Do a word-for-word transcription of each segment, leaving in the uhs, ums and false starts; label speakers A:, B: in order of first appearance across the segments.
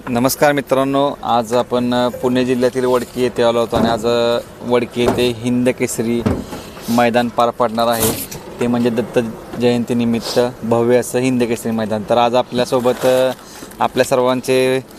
A: नमस्कार मित्रांनो, आज आपण पुणे जिल्ह्यातील वडकी येथे आलो होतो आणि आज वडकी येथे हिंद केसरी मैदान पार पडणार आहे. ते म्हणजे दत्त जयंतीनिमित्त भव्य असं हिंद केसरी मैदान. तर आज आपल्यासोबत आपल्या सर्वांचे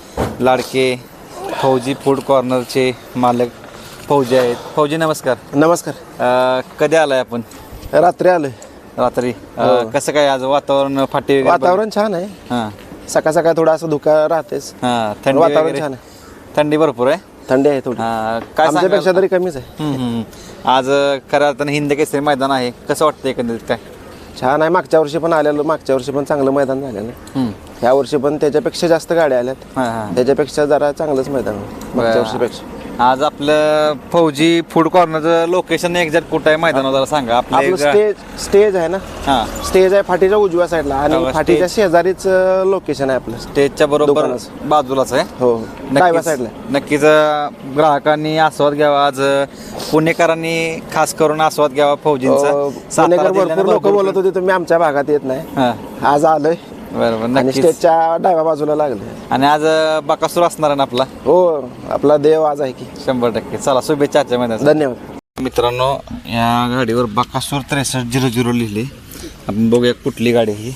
A: लाडके फौजी फूड कॉर्नरचे मालक फौजी आहेत. फौजी नमस्कार.
B: नमस्कार.
A: कधी आलाय आपण?
B: रात्री आलोय.
A: रात्री. कसं काय आज वातावरण? फाटी
B: वातावरण छान आहे.
A: हां,
B: सकाळ सकाळ थोडा असं धुका राहतेच.
A: हां, थंडी
B: वातावरण छान आहे.
A: थंडी भरपूर आहे.
B: थंडी आहे थोडी.
A: काय
B: आमच्यापेक्षा तरी कमीच आहे.
A: हम्म, हम्म. आज खऱ्या अर्थानं हिंद केसरी मैदान आहे. कसं वाटतं एकंदरीत? काय
B: छान आहे. मागच्या वर्षी पण आलेलो, मागच्या वर्षी पण चांगलं मैदान झालेलं आहे. ह्या वर्षी पण त्याच्यापेक्षा जास्त गाड्या आल्यात.
A: हां हां
B: त्याच्यापेक्षा जरा चांगलंच मैदान आहे मागच्या वर्षीपेक्षा.
A: आज आपलं फौजी फूड कॉर्नरचं लोकेशन एक्झॅक्ट कुठं आहे मैदानावर जरा सांगा.
B: आपलं
A: आपले
B: स्टेज स्टेज आहे ना.
A: हां,
B: स्टेज आहे फाटीच्या उजव्या साईडला आणि
A: हो,
B: फाटीच्या शेजारीच लोकेशन आहे आपलं.
A: स्टेजच्या बरोबर
B: दुकानाचं.
A: बाजूलाच आहे.
B: हो, डाव्या
A: नक्कीच
B: साईडला.
A: नक्कीच अं, ग्राहकांनी आस्वाद घ्यावा. आज अं, पुणेकरांनी खास करून आस्वाद घ्यावा फौजींचा.
B: पुणेकर
A: सातारा
B: भरपूर
A: जिल्ह्यानं
B: लोक
A: भरपूर-
B: बोलत होते तुम्ही आमच्या भागात येत नाही.
A: हां,
B: आज आलोय
A: बरोबर.
B: आणि
A: नक्कीच.
B: स्टेजच्या डाव्या बाजूला लागले.
A: आणि आज अं, बकासूर असणार आहे ना आपला?
B: हो, आपला देव आज आहे की.
A: शंभर टक्के. चला, शुभेच्छा आजच्या महिन्यात.
B: धन्यवाद
A: मित्रांनो, या गाडीवर बकासूर त्रेसष्ट झिरो झिरो लिहिले. आपण बघूया कुठली गाडी ही.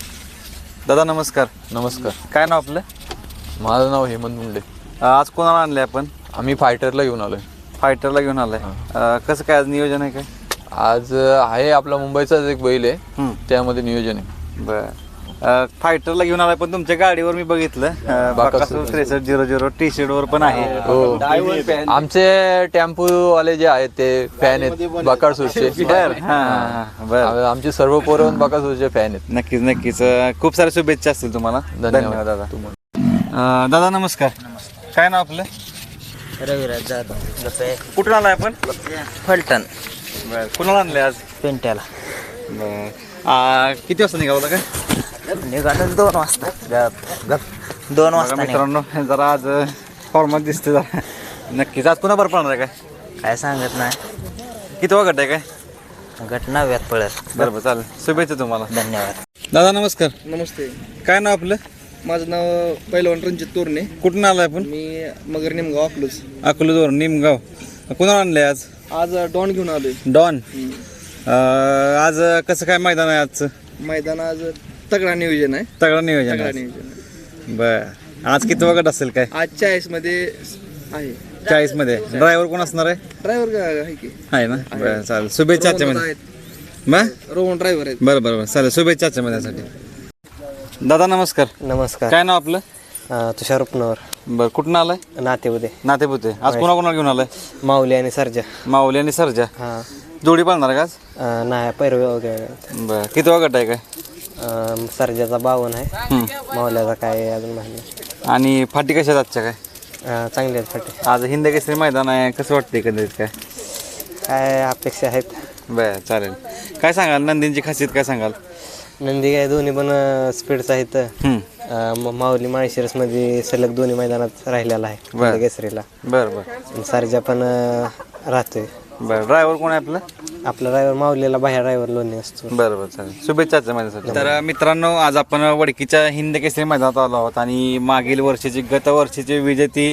A: दादा नमस्कार.
C: नमस्कार.
A: काय नाव आपलं?
C: माझं नाव हेमंत मुंडे.
A: आज कोणाला आणले आपण?
C: आम्ही फायटरला घेऊन आलोय.
A: फायटरला घेऊन आलाय. अं, कसं काय आज नियोजन आहे काय?
C: आज आहे आपला मुंबईचाच एक बैल आहे,
A: हम्म.
C: त्यामध्ये नियोजन आहे.
A: बरं. फायटरला घेऊन आलाय, पण तुमच्या गाडीवर मी बघितलं अं, बकासूर त्रेसष्ट झिरो झिरो टी शर्ट वर पण आहे.
C: हो, आमचे टेम्पो वाले जे आहेत ते फॅन आहेत बकासूरचे.
A: बर. हां, बरं.
C: आमचे सर्व पोरं बकासूरचे फॅन आहेत.
A: नक्कीच नक्कीच. अं, खूप साऱ्या शुभेच्छा असतील तुम्हाला. धन्यवाद दादा. अं, दादा नमस्कार. काय नाव आपलं?
D: रविराज जाधव.
A: कुठून आलाय आपण?
D: फलटण.
A: बरं. कुणाला आणलंय आज?
D: पेंट्याला
A: बरं. आ, किती वाजता निघाला होता काय?
D: निघालो दोन वाजता. गप गप दोन
A: बघा
D: वाजता निघालो.
A: मित्रांनो, जरा आज फॉर्मात दिसते जरा. नक्कीच आज पुन्हा बरं पडणार आहे काय?
D: काय सांगत नाही.
A: किती वागट आहे काय?
D: घटना व्यात पडत.
A: बरं बरं, चालेल. शुभेच्छा तुम्हाला.
D: धन्यवाद.
A: दादा नमस्कार.
E: नमस्ते.
A: काय नाव आपलं?
E: माझं नाव पहिलवान रणजित तोरणे.
A: कुठून आलाय आपण?
E: मी मगर निमगाव अकलूज.
A: अकलूजवर निमगाव. कुणाला आणलंय आज?
E: आज डॉन घेऊन आलोय.
A: डॉन. अं, आज कसं काय मैदान आहे आजचं?
E: मैदान आज तगडा नियोजन आहे.
A: तगडा नियोजन
E: तगडा
A: आहे.
E: नियोजन आहे.
A: बर. आज किती वागट असेल काय?
E: आज चाळीस मध्ये आहे.
A: चाळीस मध्ये. ड्रायव्हर कोण असणार आहे?
E: ड्रायव्हर आहे की
A: आहे ना. बरं, चालेल. शुभेच्छा आजच्या मध्ये. बरं
E: रोहन ड्रायव्हर आहेत.
A: बरं बरं बरं, चालेल. शुभेच्छा आजच्या महिन्यासाठी. दादा नमस्कार.
B: नमस्कार.
A: काय नाव आपलं?
B: तुषार उपनवर,
A: बरं. कुठून आलाय?
B: नातेपुते.
A: नातेपुते. आज कोणा कोणाला घेऊन आलाय?
B: माऊली आणि सर्जा.
A: माऊली आणि सरजा.
B: हां.
A: जोडी पाळणार का आज?
B: नाही, पैरवे वगैरे.
A: बरं. किती वागट आहे काय?
B: सर्जाचा बावन आहे.
A: हम्म.
B: माऊल्याचा काय अजून माहिती.
A: आणि फाटी कशा आहेत आजच्या काय?
B: चांगले आहेत फाटे.
A: आज हिंद केसरी मैदान आहे, कसं वाटतं एकंदरीत काय?
B: काय अपेक्षा आहेत.
A: बरं, चालेल. काय सांगाल नंदींची खासियत काय सांगाल?
B: नंदी काय दोन्ही पण स्पीडचं आहेत.
A: हम्म.
B: म- माऊली माळशिरसमध्ये सलग दोन्ही मैदानात राहिलेला आहे.
A: बरं.
B: केसरीला.
A: बरं बरं
B: आणि सर्जा पण अं, राहतोय.
A: बरं. ड्रायव्हर कोण आहे आपलं?
B: आपला ड्रायव्हर माऊलीला बाहेर ड्रायव्हर लोणी असतो.
A: बरं बरं, चालेल. शुभेच्छा माझ्यासाठी. तर मित्रांनो, आज आपण वडकीच्या हिंद केसरी मैदानात आलो आहोत आणि मागील वर्षीची गत वर्षीची विजेती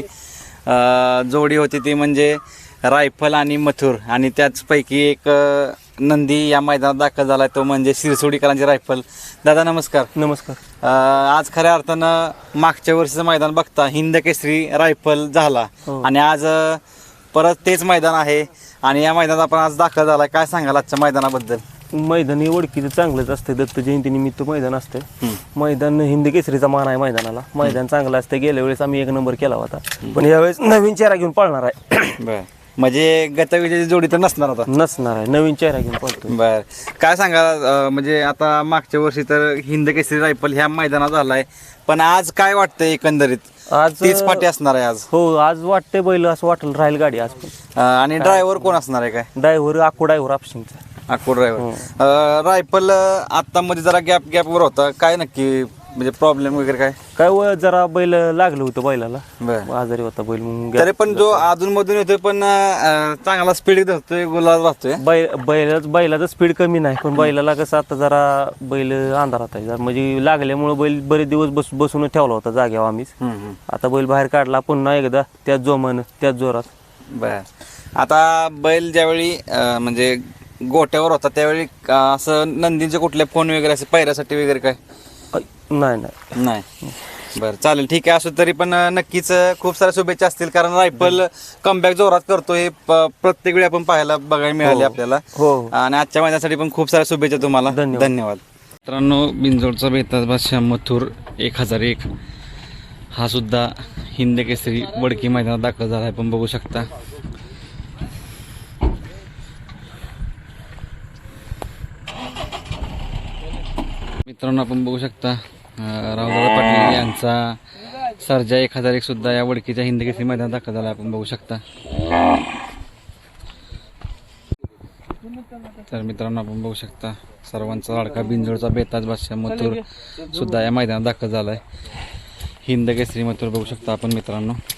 A: अं, जोडी होती ती म्हणजे रायफल आणि मथुर. आणि त्याचपैकी एक अं, नंदी या मैदानात दाखल झाला, तो म्हणजे शिरसोडीकरांची रायफल. दादा नमस्कार.
B: नमस्कार.
A: अं, आज खऱ्या अर्थानं मागच्या वर्षीचं मैदान बघता हिंद केसरी रायफल झाला आणि आज अं, परत तेच मैदान आहे आणि या मैदानात आपण आज दाखल झाला. काय सांगाल आजच्या मैदानाबद्दल?
F: मैदान हे ओळखीचं चांगलंच असतं. दत्त जयंतीनिमित्त मैदान असतं. मैदान हिंद केसरीचा मान आहे मैदानाला. मैदान चांगलं असतं. गेल्या वेळेस आम्ही एक नंबर केला होता, पण यावेळेस नवीन चेहरा घेऊन पळणार आहे.
A: बर. म्हणजे गतविजेची जोडी तर नसणार आता?
F: नसणार आहे, नवीन चेहरा घेऊन पळतो.
A: बर. काय सांगा, अं, म्हणजे आता मागच्या वर्षी तर हिंद केसरी रायफल ह्या मैदानात झालाय, पण आज काय वाटतंय एकंदरीत?
F: आज
A: तीच पाठी असणार आहे आज?
F: हो, आज वाटतंय बैल असं वाटेल राहील गाडी आज पण.
A: अं, आणि ड्रायव्हर कोण असणार आहे काय?
F: ड्रायव्हर आखो ड्रायव्हर आपशिंगचा.
A: अकोट ड्रायव्हर. रायफल आता मध्ये जरा गॅप गॅपवर होता, काय नक्की म्हणजे प्रॉब्लेम वगैरे काय?
F: काय व जरा बैल लागलं होतं बैलाला,
A: बरं.
F: आजारी होता बैल मग
A: तरी पण जो अधून मधून येतोय पण अं, चांगला स्पीड धरतोय, गुलाल राहतोय.
F: बैल बैलाच बैलाचं स्पीड कमी नाही, पण बैलाला कसं आता जरा बैल अंधारात आहे जरा, म्हणजे लागल्यामुळे बैल बरेच दिवस बस बसून ठेवला होता जाग्यावर आम्हीच. आता बैल बाहेर काढला पुन्हा एकदा त्याच जोमानं त्याच जोरात.
A: बर. आता बैल ज्यावेळी अं, म्हणजे गोट्यावर होता त्यावेळी अं, असं नंदींचे कुठले फोन वगैरे असे पायऱ्यासाठी वगैरे काय?
F: अ, नाही नाही
A: नाही. बरं, चालेल, ठीक आहे. असो तरी पण अं, नक्कीच अं, खूप साऱ्या शुभेच्छा असतील, कारण रायफल कमबॅक जोरात करतो हे प- प्रत्येक वेळी आपण पाहायला बघायला मिळाले आपल्याला.
F: हो.
A: आणि आजच्या महिन्यासाठी पण खूप साऱ्या शुभेच्छा तुम्हाला.
F: धन्यवाद.
A: धन्यवाद. मित्रांनो, बिंजोडचा बेताज बादशाह मथुर एक हजार एक हा सुद्धा हिंद केसरी वडकी मैदानात दाखल झाला आहे, आपण बघू शकता. मित्रांनो, आपण बघू शकता अं, रावदादा पाटील यांचा सर्जा एक हजार एक सुद्धा या वडकीच्या हिंद केसरी मैदानात दाखल झाला आहे, आपण बघू शकता. तर मित्रांनो, आपण बघू शकता सर्वांचा लाडका बिंजोडचा बेताज बादशाह मथुर सुद्धा या मैदानात दाखल झाला आहे. हिंद केसरी मथुर बघू शकता आपण मित्रांनो.